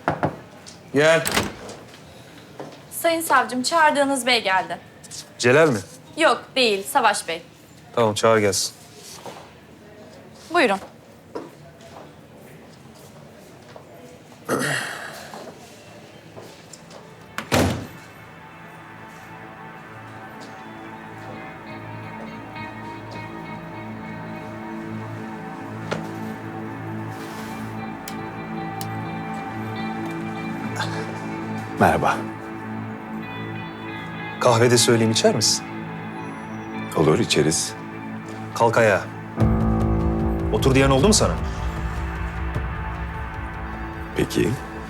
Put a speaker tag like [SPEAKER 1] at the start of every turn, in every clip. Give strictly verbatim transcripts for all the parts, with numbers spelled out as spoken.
[SPEAKER 1] Gel.
[SPEAKER 2] Sayın savcım, çağırdığınız bey geldi.
[SPEAKER 1] Celal mi?
[SPEAKER 2] Yok, değil. Savaş Bey.
[SPEAKER 1] Tamam, çağır gelsin.
[SPEAKER 2] Buyurun.
[SPEAKER 3] Merhaba.
[SPEAKER 1] Kahvede söyleyeyim, içer misin?
[SPEAKER 3] Olur, içeriz.
[SPEAKER 1] Kalk ayağa. Otur diyen oldu mu sana?
[SPEAKER 3] Peki.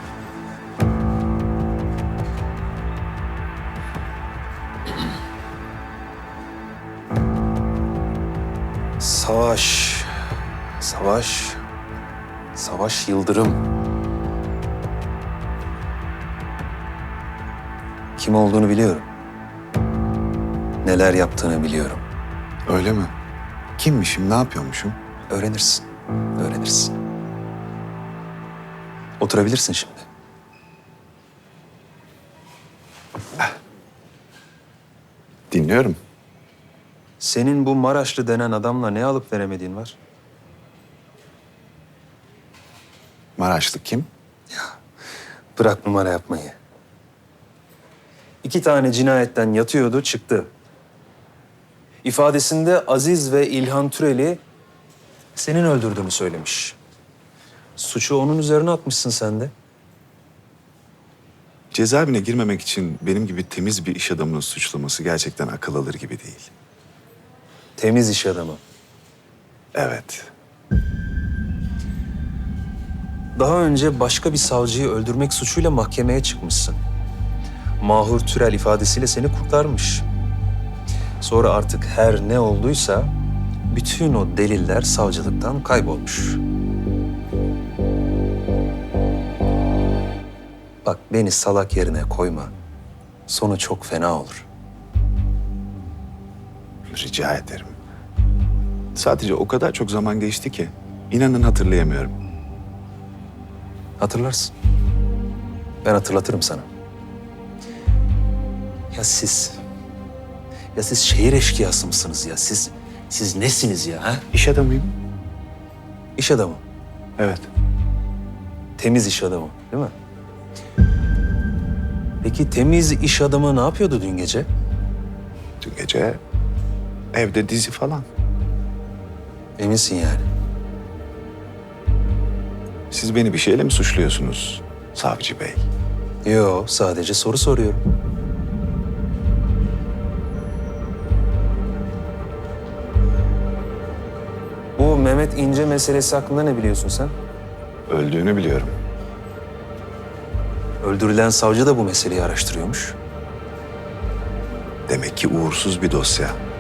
[SPEAKER 1] Savaş. Savaş. Savaş Yıldırım. Kim olduğunu biliyorum. Neler yaptığını biliyorum.
[SPEAKER 3] Öyle mi? Kimmişim, ne yapıyormuşum?
[SPEAKER 1] Öğrenirsin. Öğrenirsin. Oturabilirsin şimdi.
[SPEAKER 3] Dinliyorum.
[SPEAKER 1] Senin bu Maraşlı denen adamla ne alıp veremediğin var?
[SPEAKER 3] Maraşlı kim?
[SPEAKER 1] Bırak numara yapmayı. İki tane cinayetten yatıyordu, çıktı. İfadesinde Aziz ve İlhan Türel'i senin öldürdüğünü söylemiş. Suçu onun üzerine atmışsın sen de.
[SPEAKER 3] Cezaevine girmemek için benim gibi temiz bir iş adamının suçlaması gerçekten akıl alır gibi değil.
[SPEAKER 1] Temiz iş adamı.
[SPEAKER 3] Evet.
[SPEAKER 1] Daha önce başka bir savcıyı öldürmek suçuyla mahkemeye çıkmışsın. Mahur Türel ifadesiyle seni kurtarmış. Sonra artık her ne olduysa bütün o deliller savcılıktan kaybolmuş. Bak, beni salak yerine koyma. Sonu çok fena olur.
[SPEAKER 3] Rica ederim. Sadece o kadar çok zaman geçti ki inanın hatırlayamıyorum.
[SPEAKER 1] Hatırlarsın. Ben hatırlatırım sana. Ya siz... Ya siz şehir eşkıyası mısınız ya? Siz... Siz nesiniz ya? Ha?
[SPEAKER 3] İş adamıyım.
[SPEAKER 1] İş adamı.
[SPEAKER 3] Evet.
[SPEAKER 1] Temiz iş adamı, değil mi? Peki temiz iş adamı ne yapıyordu dün gece?
[SPEAKER 3] Dün gece evde dizi falan.
[SPEAKER 1] Eminsin yani.
[SPEAKER 3] Siz beni bir şeyle mi suçluyorsunuz savcı bey?
[SPEAKER 1] Yo, sadece soru soruyorum. Bu Mehmet İnce meselesi hakkında ne biliyorsun sen?
[SPEAKER 3] Öldüğünü biliyorum.
[SPEAKER 1] Öldürülen savcı da bu meseleyi araştırıyormuş.
[SPEAKER 3] Demek ki uğursuz bir dosya.